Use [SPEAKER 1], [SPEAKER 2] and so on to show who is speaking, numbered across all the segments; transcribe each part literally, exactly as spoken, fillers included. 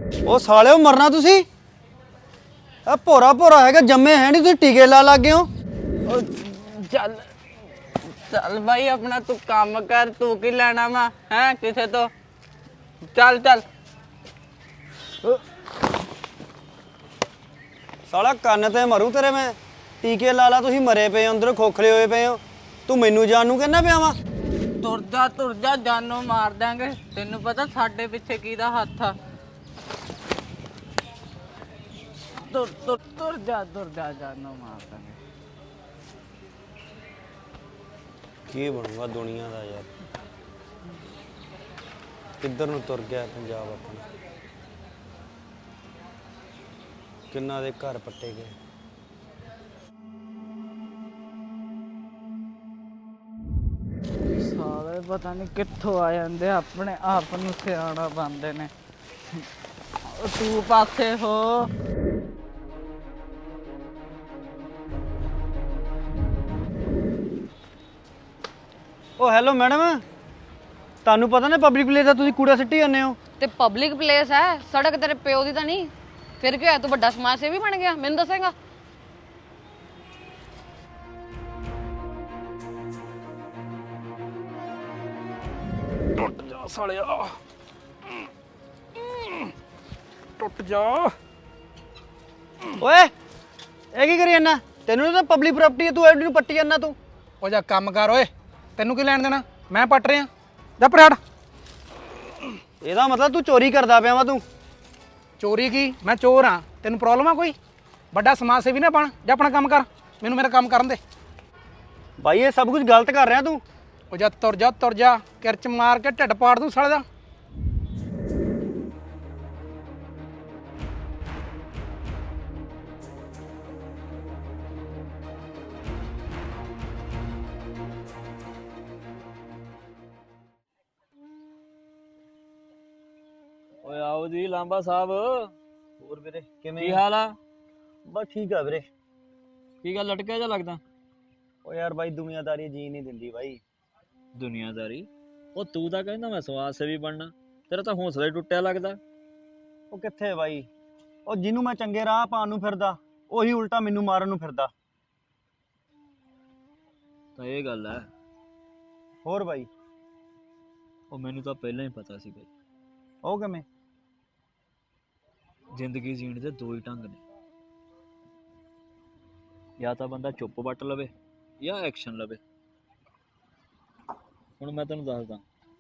[SPEAKER 1] ਉਹ ਸਾਲਿਓ ਮਰਨਾ ਤੁਸੀਂ ਆ ਭੋਰਾ ਭੋਰਾ ਹੈਗਾ ਜੰਮੇ ਹੈ ਨਹੀਂ ਤੁਸੀਂ ਟੀਕੇ ਲਾ ਲੱਗ ਗਏ ਹੋ।
[SPEAKER 2] ਉਹ ਚੱਲ ਚੱਲ ਬਾਈ ਆਪਣਾ ਤੂੰ ਕੰਮ ਕਰ ਤੂੰ ਕੀ ਲੈਣਾ ਵਾ ਹੈ ਕਿਸੇ ਤੋਂ ਚੱਲ ਚੱਲ
[SPEAKER 1] ਸਾਲਾ ਕੰਨ ਤੇ ਮਰੂ ਤੇਰੇ ਮੈਂ ਟੀਕੇ ਲਾ ਲਾ ਤੁਸੀਂ ਮਰੇ ਪਏ ਹੋ ਅੰਦਰ ਖੋਖਲੇ ਹੋਏ ਪਏ ਹੋ ਤੂੰ ਮੈਨੂੰ ਜਾਣ ਨੂੰ ਕਹਿੰਦਾ ਪਿਆ ਵਾ।
[SPEAKER 2] ਤੁਰ ਜਾ ਤੁਰ ਜਾ ਜਾਨੋਂ ਮਾਰ ਦਾਂਗੇ ਤੈਨੂੰ ਪਤਾ ਸਾਡੇ ਪਿੱਛੇ ਕਿਹਦਾ ਹੱਥ ਆ ਤੁਰ ਤੁਰ ਤੁਰ ਜਾ ਤੁਰ ਜਾ ਜਾਨੋਂ ਮਾਰ ਦਾਂਗੇ।
[SPEAKER 1] ਕੀ ਬਣੂਗਾ ਦੁਨੀਆ ਦਾ ਯਾਰ ਕਿੱਧਰ ਨੂੰ ਤੁਰ ਗਿਆ ਪੰਜਾਬ ਆਪਣਾ ਕਿੰਨਾ ਦੇ ਘਰ ਪੱਟੇ ਗਏ।
[SPEAKER 2] ਸਾਲੇ ਪਤਾ ਨਹੀਂ ਕਿੱਥੋਂ ਆ ਜਾਂਦੇ ਆਪਣੇ ਆਪ ਨੂੰ ਸਿਆਣਾ ਬਣਦੇ ਨੇ। ਤੂੰ ਪਾਸੇ ਹੋ
[SPEAKER 1] ਉਹ ਹੈਲੋ ਮੈਡਮ ਤੁਹਾਨੂੰ ਪਤਾ ਨਾ ਪਬਲਿਕ ਪਲੇਸ ਦਾ ਤੁਸੀਂ ਕੂੜਾ ਸਿੱਟੀ ਜਾਂਦੇ ਹੋ।
[SPEAKER 3] ਤੇ ਪਬਲਿਕ ਪਲੇਸ ਹੈ ਸੜਕ ਤੇਰੇ ਪਿਓ ਦੀ ਤਾਂ ਨਹੀਂ ਫਿਰ ਕੀ ਹੋਇਆ ਤੂੰ ਵੱਡਾ ਸਮਾਜ ਸੇਵੀ ਬਣ ਗਿਆ ਮੈਨੂੰ ਦੱਸੇਗਾ।
[SPEAKER 4] ਟੁੱਟ ਜਾ ਸਾਲਿਆ ਟੁੱਟ ਜਾ।
[SPEAKER 1] ਓਏ ਇਹ ਕੀ ਕਰੀ ਜਾਂਦਾ ਤੈਨੂੰ ਤਾਂ ਪਬਲਿਕ ਪ੍ਰਾਪਰਟੀ ਹੈ ਤੂੰ ਐਡੀ ਨੂੰ ਪੱਟੀ ਜਾਂਦਾ ਤੂੰ।
[SPEAKER 4] ਉਹ ਜਾ ਕੰਮ ਕਰ ਓਏ ਤੈਨੂੰ ਕੀ ਲੈਣ ਦੇਣਾ ਮੈਂ ਪੱਟ ਰਿਹਾ ਜਾ ਪਰੇ ਹਟ।
[SPEAKER 1] ਇਹਦਾ ਮਤਲਬ ਤੂੰ ਚੋਰੀ ਕਰਦਾ ਪਿਆ ਵਾ ਤੂੰ।
[SPEAKER 4] ਚੋਰੀ ਕੀ ਮੈਂ ਚੋਰ ਹਾਂ ਤੈਨੂੰ ਪ੍ਰੋਬਲਮ ਆ ਕੋਈ ਵੱਡਾ ਸਮਾਜ ਸੇਵੀ ਨਾ ਬਣ ਜਾ ਆਪਣਾ ਕੰਮ ਕਰ ਮੈਨੂੰ ਮੇਰਾ ਕੰਮ ਕਰਨ ਦੇ।
[SPEAKER 1] ਬਾਈ ਇਹ ਸਭ ਕੁਝ ਗਲਤ ਕਰ ਰਿਹਾ ਤੂੰ।
[SPEAKER 4] ਉਹ ਜਾ ਤੁਰ ਜਾ ਤੁਰ ਜਾ ਕਿਰਚ ਮਾਰ ਕੇ ਢਿੱਡ ਪਾੜ ਦੂੰ ਸਾਲੇ ਦਾ।
[SPEAKER 5] ਓਏ ਆਓ ਜੀ ਲਾਂਬਾ ਸਾਹਿਬ
[SPEAKER 1] ਹੋਰ ਵੀਰੇ
[SPEAKER 5] ਕੀ ਹਾਲ ਆ
[SPEAKER 1] ਬਸ ਠੀਕ ਆ ਵੀਰੇ।
[SPEAKER 5] ਕੀ ਗੱਲ ਲਟਕਿਆ ਜਾ ਲੱਗਦਾ
[SPEAKER 1] ਓ ਯਾਰ ਬਾਈ ਦੁਨੀਆਦਾਰੀ ਜੀ ਨਹੀਂ ਦਿੰਦੀ ਬਾਈ।
[SPEAKER 5] ਦੁਨੀਆਦਾਰੀ ਉਹ ਤੂੰ ਤਾਂ ਕਹਿੰਦਾ ਮੈਂ ਸਮਾਜ ਸੇਵੀ ਬਣਨਾ ਤੇਰਾ ਤਾਂ ਹੌਸਲਾ ਹੀ ਟੁੱਟਿਆ ਲੱਗਦਾ।
[SPEAKER 1] ਉਹ ਕਿੱਥੇ ਬਾਈ ਉਹ ਜਿਹਨੂੰ ਮੈਂ ਚੰਗੇ ਰਾਹ ਪਾਉਣ ਨੂੰ ਫਿਰਦਾ ਉਹੀ ਉਲਟਾ ਮੈਨੂੰ ਮਾਰਨ ਨੂੰ ਫਿਰਦਾ।
[SPEAKER 5] ਤਾਂ ਇਹ ਗੱਲ ਹੈ
[SPEAKER 1] ਹੋਰ ਬਾਈ
[SPEAKER 5] ਉਹ ਮੈਨੂੰ ਤਾਂ ਪਹਿਲਾਂ ਹੀ ਪਤਾ ਸੀ ਬਈ
[SPEAKER 1] ਉਹ ਕਿਵੇਂ
[SPEAKER 5] ਜ਼ਿੰਦਗੀ ਜੀਣ ਦੇ ਦੋ ਹੀ ਢੰਗ ਨੇ ਜਾਂ ਤਾਂ ਬੰਦਾ ਚੁੱਪ ਵੱਟ ਲਵੇ ਜਾਂ ਐਕਸ਼ਨ ਲਵੇ। ਹੁਣ ਮੈਂ ਤੈਨੂੰ ਦੱਸਦਾ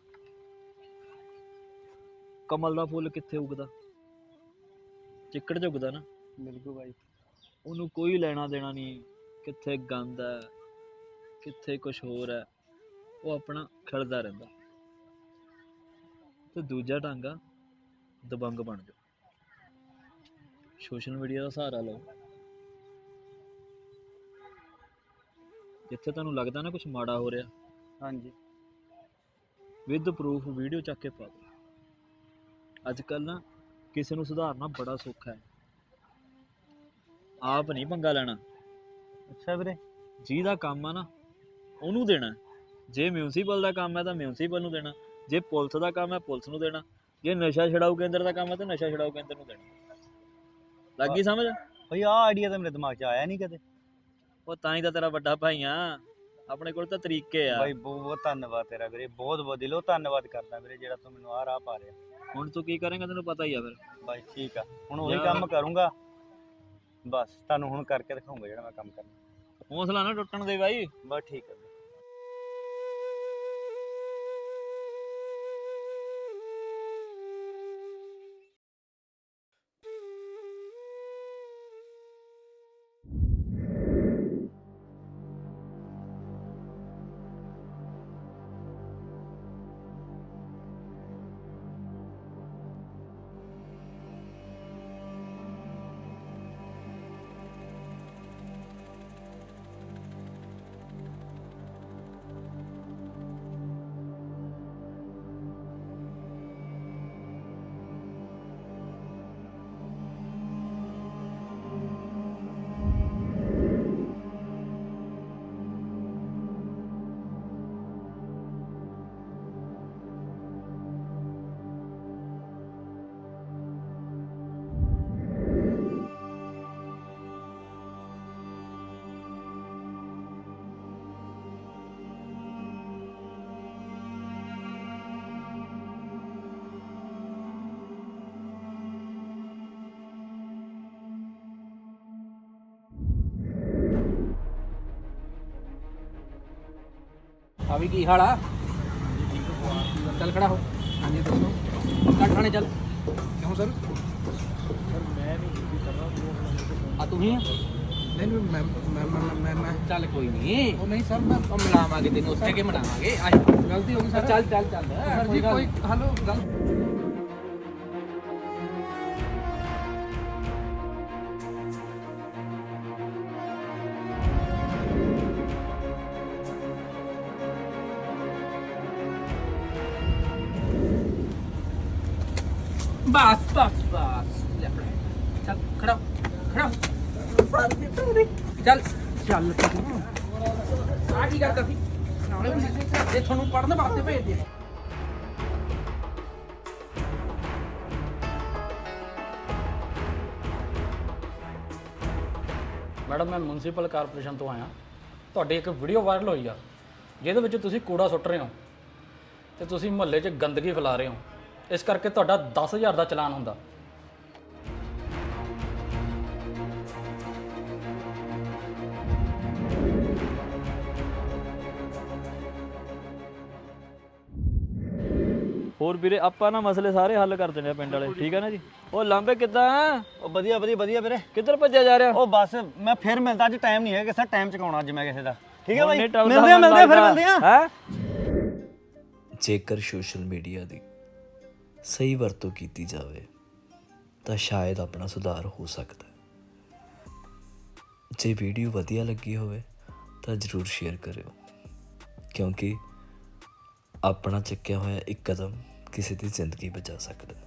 [SPEAKER 5] ਕਮਲ ਦਾ ਫੁੱਲ ਕਿੱਥੇ ਉਗਦਾ ਚਿੱਕੜ 'ਚ ਉਗਦਾ ਨਾ।
[SPEAKER 1] ਬਿਲਕੁਲ ਬਾਈ
[SPEAKER 5] ਉਹਨੂੰ ਕੋਈ ਲੈਣਾ ਦੇਣਾ ਨਹੀਂ ਕਿੱਥੇ ਗੰਦ ਹੈ ਕਿੱਥੇ ਕੁਛ ਹੋਰ ਹੈ ਉਹ ਆਪਣਾ ਖਿੜਦਾ ਰਹਿੰਦਾ। ਤੇ ਦੂਜਾ ਢੰਗ ਆ ਦਬੰਗ ਬਣ ਜਾਓ ਸੋਸ਼ਲ ਮੀਡੀਆ ਦਾ ਸਹਾਰਾ ਲਓ ਜਿੱਥੇ ਤੁਹਾਨੂੰ ਲੱਗਦਾ ਨਾ ਕੁਛ ਮਾੜਾ ਹੋ ਰਿਹਾ
[SPEAKER 1] ਹਾਂਜੀ
[SPEAKER 5] ਵਿਦ ਪ੍ਰੂਫ ਵੀਡੀਓ ਚੱਕ ਕੇ ਪਾ ਦਿਓ। ਅੱਜ ਕੱਲ੍ਹ ਨਾ ਕਿਸੇ ਨੂੰ ਸੁਧਾਰਨਾ ਬੜਾ ਸੌਖਾ ਹੈ ਆਪ ਨਹੀਂ ਪੰਗਾ ਲੈਣਾ।
[SPEAKER 1] ਅੱਛਾ ਵੀਰੇ
[SPEAKER 5] ਜਿਹਦਾ ਕੰਮ ਆ ਨਾ ਉਹਨੂੰ ਦੇਣਾ। ਜੇ ਮਿਊਨਸੀਪਲ ਦਾ ਕੰਮ ਹੈ ਤਾਂ ਮਿਊਨਸੀਪਲ ਨੂੰ ਦੇਣਾ ਜੇ ਪੁਲਿਸ ਦਾ ਕੰਮ ਹੈ ਪੁਲਿਸ ਨੂੰ ਦੇਣਾ ਜੇ ਨਸ਼ਾ ਛਡਾਊ ਕੇਂਦਰ ਦਾ ਕੰਮ ਹੈ ਤਾਂ ਨਸ਼ਾ ਛਡਾਊ ਕੇਂਦਰ ਨੂੰ ਦੇਣਾ। ਲੱਗ ਗਈ ਸਮਝ
[SPEAKER 1] ਬਈ ਆਹ ਆਈਡੀਆ ਤਾਂ ਮੇਰੇ ਦਿਮਾਗ 'ਚ ਆਇਆ ਨਹੀਂ ਕਦੇ।
[SPEAKER 5] ਉਹ ਤਾਂ ਹੀ ਤਾਂ ਤੇਰਾ ਵੱਡਾ ਭਾਈ ਆ ਆਪਣੇ ਕੋਲ ਤਾਂ ਤਰੀਕੇ ਆ।
[SPEAKER 1] ਬਾਈ ਬਹੁਤ ਬਹੁਤ ਧੰਨਵਾਦ ਤੇਰਾ ਵੀਰੇ ਬਹੁਤ ਬਹੁਤ ਦਿਲੋਂ ਧੰਨਵਾਦ ਕਰਦਾ ਵੀਰੇ ਜਿਹੜਾ ਤੂੰ ਮੈਨੂੰ ਆਹ ਰਾਹ ਪਾ ਰਿਹਾ।
[SPEAKER 5] ਹੁਣ ਤੂੰ ਕੀ ਕਰੇਂਗਾ ਤੈਨੂੰ ਪਤਾ ਹੀ ਆ ਫਿਰ।
[SPEAKER 1] ਬਾਈ ਠੀਕ ਆ ਹੁਣ ਉਹੀ
[SPEAKER 5] ਯਾਰ।
[SPEAKER 1] ਕੰਮ ਕਰੂੰਗਾ ਬਸ ਤੁਹਾਨੂੰ ਹੁਣ ਕਰਕੇ ਦਿਖਾਉਂਗਾ ਜਿਹੜਾ ਮੈਂ ਕੰਮ ਕਰਨਾ।
[SPEAKER 5] ਹੌਸਲਾ ਨਾ ਟੁੱਟਣ ਦੇ ਬਾਈ।
[SPEAKER 1] ਬਸ ਠੀਕ ਆ ਵੀਰੇ।
[SPEAKER 4] ਆ ਵੀ ਕੀ ਹਾਲ ਆ? ਚੱਲ ਖੜਾ ਹੋ। ਹਾਂਜੀ ਦੱਸੋ। ਕੱਟ ਖਾਣੇ ਚੱਲ। ਕਿਉਂ ਸਰ? ਆ ਤੂੰ ਹੀ ਆ? ਨਹੀਂ ਨਹੀਂ ਮੈਂ ਮੈਂ ਮੈਂ ਮੈਂ ਮੈਂ ਚੱਲ ਕੋਈ ਨਹੀਂ। ਉਹ ਨਹੀਂ ਸਰ ਮੈਂ ਉਹ ਮਿਲਾਵਾਂਗੇ ਤੈਨੂੰ ਉੱਥੇ ਕੇ ਮਿਲਾਵਾਂਗੇ। ਆ ਗਲਤੀ ਹੋ ਗਈ ਸਰ। ਚੱਲ ਚੱਲ ਚੱਲ ਸਰ ਜੀ ਕੋਈ ਹਲੋ ਗੱਲ ਬਸ ਬਸ ਬਸ ਲੈ ਫੜਾ। ਚੱਲ ਖੜਾ ਹੋ, ਖੜਾ ਹੋ। ਚੱਲ ਚੱਲ ਤੂੰ ਆ ਕੀ ਗੱਲ ਕਰਦੀ ਨਾਲੇ ਜੇ ਤੁਹਾਨੂੰ ਪੜਨ ਵਾਸਤੇ ਭੇਜਦੇ ਆ।
[SPEAKER 6] ਮੈਡਮ ਮੈਂ ਮਿਊਨਿਸਪਲ ਕਾਰਪੋਰੇਸ਼ਨ ਤੋਂ ਆਇਆ। ਤੁਹਾਡੀ ਇੱਕ ਵੀਡੀਓ ਵਾਇਰਲ ਹੋਈ ਆ ਜਿਹਦੇ ਵਿੱਚ ਤੁਸੀਂ ਕੂੜਾ ਸੁੱਟ ਰਹੇ ਹੋ ਤੇ ਤੁਸੀਂ ਮੁਹੱਲੇ 'ਚ ਗੰਦਗੀ ਫੈਲਾ ਰਹੇ ਹੋ। ਇਸ ਕਰਕੇ ਤੁਹਾਡਾ ਦਸ ਹਜ਼ਾਰ ਦਾ ਚਲਾਨ ਹੁੰਦਾ।
[SPEAKER 5] ਹੋਰ ਵੀਰੇ ਆਪਾਂ ਨਾ ਮਸਲੇ ਸਾਰੇ ਹੱਲ ਕਰ ਦਿੰਦੇ ਆ ਪਿੰਡ ਵਾਲੇ, ਠੀਕ ਹੈ ਨਾ ਜੀ। ਉਹ ਲਾਂਬੇ ਕਿੱਦਾਂ?
[SPEAKER 1] ਉਹ ਵਧੀਆ ਵਧੀਆ ਵਧੀਆ ਵੀਰੇ।
[SPEAKER 5] ਕਿੱਧਰ ਭੱਜਿਆ ਜਾ ਰਿਹਾ?
[SPEAKER 1] ਉਹ ਬਸ ਮੈਂ ਫਿਰ ਮਿਲਦਾ, ਅੱਜ ਟਾਈਮ ਨਹੀਂ ਹੈ ਕਿਸੇ ਟਾਈਮ ਚਕਾਉਣਾ ਅੱਜ ਮੈਂ ਕਿਸੇ ਦਾ। ਠੀਕ ਹੈ ਬਾਈ,
[SPEAKER 5] ਉਹਨੇ ਟਲਦਾ
[SPEAKER 1] ਮਿਲਦੇ ਆ ਮਿਲਦੇ ਆ ਫਿਰ
[SPEAKER 5] ਲੱਗਦਾ।
[SPEAKER 1] ਮਿਲਦੇ ਆ।
[SPEAKER 5] ਹੈਂ?
[SPEAKER 7] ਜੇਕਰ ਸੋਸ਼ਲ ਮੀਡੀਆ ਦੀ ਸਹੀ ਵਰਤੋਂ ਕੀਤੀ ਜਾਵੇ ਤਾਂ ਸ਼ਾਇਦ ਆਪਣਾ ਸੁਧਾਰ ਹੋ ਸਕਦਾ ਹੈ। ਜੇ ਵੀਡੀਓ ਵਧੀਆ ਲੱਗੀ ਹੋਵੇ ਤਾਂ ਜ਼ਰੂਰ ਸ਼ੇਅਰ ਕਰਿਓ, ਕਿਉਂਕਿ ਆਪਣਾ ਚੱਕਿਆ ਹੋਇਆ ਇੱਕ ਕਦਮ ਕਿਸੇ ਦੀ ਜ਼ਿੰਦਗੀ ਬਚਾ ਸਕਦਾ ਹੈ।